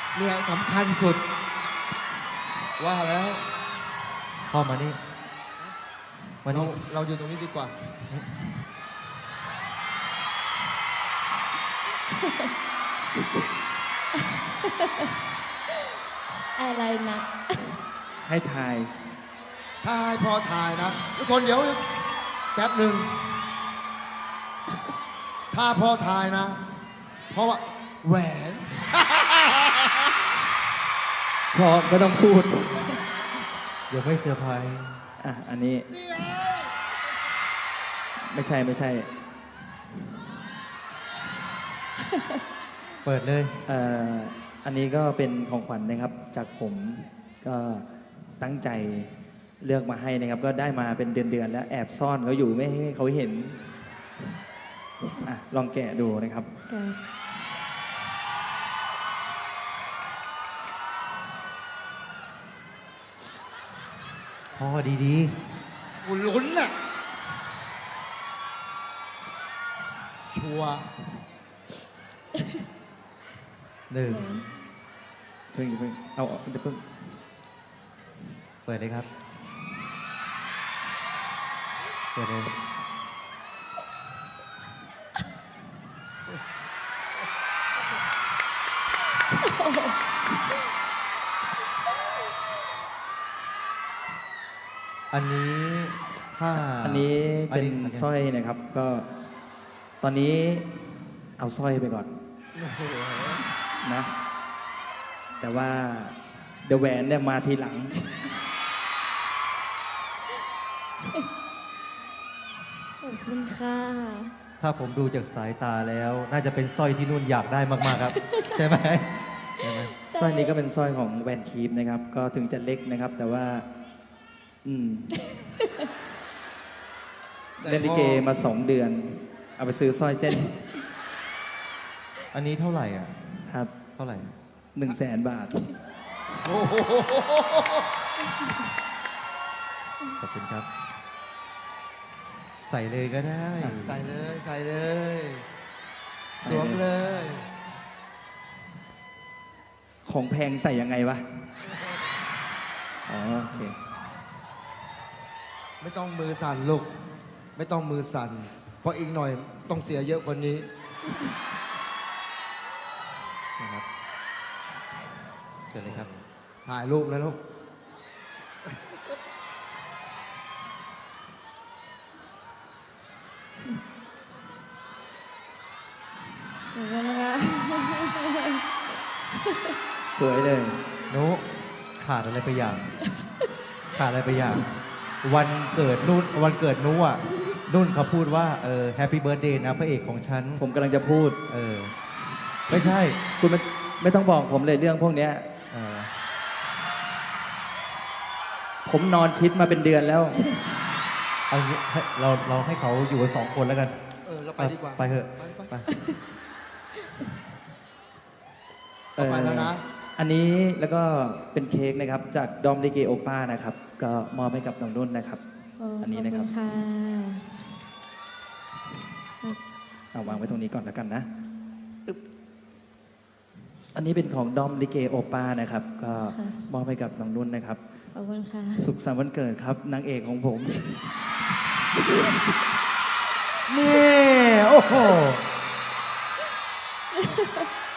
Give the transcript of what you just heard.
เนี่ยสำคัญสุด ว่าแล้วพ่อมานี่มาเรานี่เราอยู่ตรงนี้ดีกว่าอะไรนะให้ทายถ้าให้พอถ่ายนะทุกคนเดี๋ยวแป๊บหนึ่งถ้าพอถ่ายนะ เพราะว่าแหวนพอไม่ต้องพูดเดี๋ยวไม่เซอร์ไพรส์อ่ะ อันนี้ ไม่ใช่ไม่ใช่เปิดเลยอันนี้ก็เป็นของขวัญนะครับ จากผมก็ตั้งใจเลือกมาให้นะครับ ก็ได้มาเป็นเดือนๆแล้วแอบซ่อนเขาอยู่ไม่ให้เขาเห็นอ่ะลองแกะดูนะครับพ่อดีกูลุ้นน่ะชัวร์ๆหนึ่งเพิ่งเอาจะเพิ่งเปิดเลยครับ เปิดเลย อันนี้ถ้าอันนี้เป็นอันนี้สร้อยนะครับ ก็ตอนนี้เอาสร้อยไปก่อนโอ้โหนะ แต่ว่าเดอะแหวนเนี่ยมาทีหลังขอบคุณค่ะถ้าผมดูจากสายตาแล้ว น่าจะเป็นสร้อยที่นุ่นอยากได้มากๆครับ ใช่ไหมใช่ไหมสร้อยนี้ก็เป็นสร้อยของแวนคีฟนะครับ ก็ถึงจะเล็กนะครับ แต่ว่า เล่นลิเกมา2 เดือน เอาไปซื้อสร้อยเส้นอันนี้เท่าไหร่อ่ะครับเท่าไหร่ 100,000 บาทโอ้โหขอบคุณครับ ใส่เลยก็ได้ใส่เลยใส่เลยสวมเลยของแพงใส่ยังไงวะ อ๋อโอเคไม่ต้องมือสั่นลูก ไม่ต้องมือสั่น เพราะอีกหน่อยต้องเสียเยอะกว่านี้นะครับเชิญเลยครับถ่ายรูปนะลูกขอบคุณนะคะสวยเลยนุขาดอะไรไปอย่าง ขาดอะไรไปอย่าง วันเกิดนุ่นวันเกิดนุอ่ะนุ่นเขาพูดว่าแฮปปี้เบิร์ดเดย์นะพระเอกของฉันผมกำลังจะพูดไม่ใช่คุณไม่ต้องบอกผมเลยเรื่องพวกเนี้ยเออผมนอนคิดมาเป็นเดือนแล้วเอางี้ให้เราให้เขาอยู่กัน2 คนแล้วกันเราไปดีกว่าไปเถอะไปไปเอาไปแล้วนะอันนี้แล้วก็เป็นเค้กนะครับ จากดอมลิเกโอป้านะครับ ก็มอบให้กับน้องนุ่นนะครับ อันนี้นะครับขอบคุณค่ะเอาวางไว้ตรงนี้ก่อนแล้วกันนะอึ๊บอันนี้เป็นของดอมลิเกโอป้านะครับ ก็มอบให้กับน้องนุ่นนะครับขอบคุณค่ะสุขสันต์วันเกิดครับนางเอกของผมนี่ โอ้โห